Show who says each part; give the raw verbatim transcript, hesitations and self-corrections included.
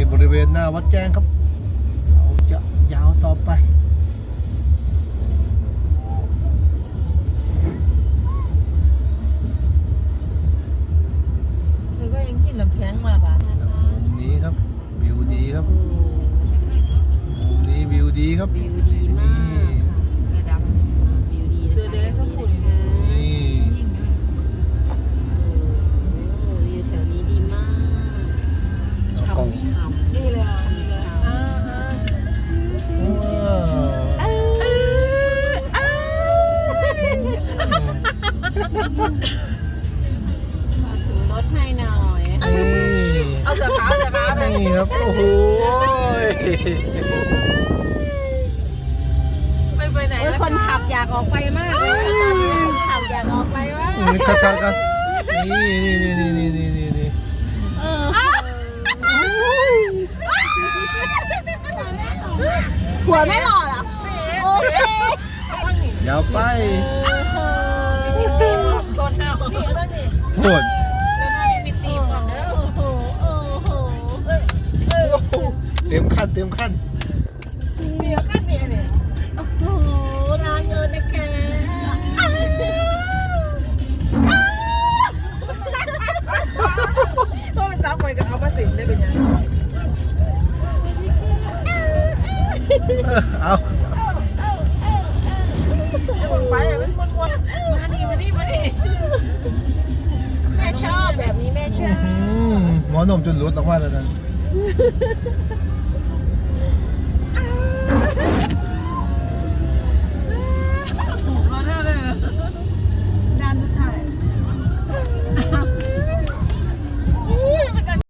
Speaker 1: บริเวณหน้าวัดแจ้งครับเราจะยาวต่อไป
Speaker 2: เธอก็ยังกินน้ำแข็งมาป่ะ
Speaker 1: มุมนี้ครับวิวดีครับมุมนี้วิวดีครับ
Speaker 3: วิวดีมากค่ะเสื้อดำวิวดี
Speaker 2: เสื้อแดงก็พูดเลยนะ
Speaker 1: นี่
Speaker 3: โอ้วิวแถวนี้ดีมาก
Speaker 1: เอากล้อง
Speaker 3: ช่ำๆ
Speaker 2: นี่เลยอ่ะนี่เลยอ่าอ่า
Speaker 1: ว้าว
Speaker 3: มาถึงรถให้หน่อย
Speaker 1: นี่
Speaker 2: เอาเสื้อขาวเสื้อขาวเลย
Speaker 1: นี่ครับโอ้โห
Speaker 2: ไม่ไปไหน
Speaker 3: โอ้ย
Speaker 2: แล้ว
Speaker 3: คนขับอยากออกไปมากเลยตอนนี้คนขับอยากออกไปมาก
Speaker 1: นี่ชัดๆกันนี่นี่นี่นี่นี่นี่นี่
Speaker 3: เออหัวไม่หล่อเหรอโอเค
Speaker 1: ยาวไป
Speaker 2: มีตีมโดนเท้านี่แล้วนี่
Speaker 1: โหด
Speaker 2: แล้วถ้ามีตีมก่อนเด้อ
Speaker 3: โอ้โหโอ้โห
Speaker 1: โอ้โหเต็มขั้นเต็มขั้น
Speaker 2: เดี๋ยวขั้นนี้เนี่ย
Speaker 3: โอ้โหลาเงินนะคะ
Speaker 2: ต้องจับไปกับเอามาติดได้เป็นยัง
Speaker 1: เออเอา
Speaker 2: ไอ้บนไปอ่ะมันวนวนมานี่มานี่มานี่
Speaker 3: แม่ชอบแบบนี้แม่ชอบ
Speaker 1: อืมหมอนมจนหลุดออกมาแล้วนั่น
Speaker 2: ถูกแล้วเท่าเลย
Speaker 3: ด้านสุดท้าย
Speaker 2: เ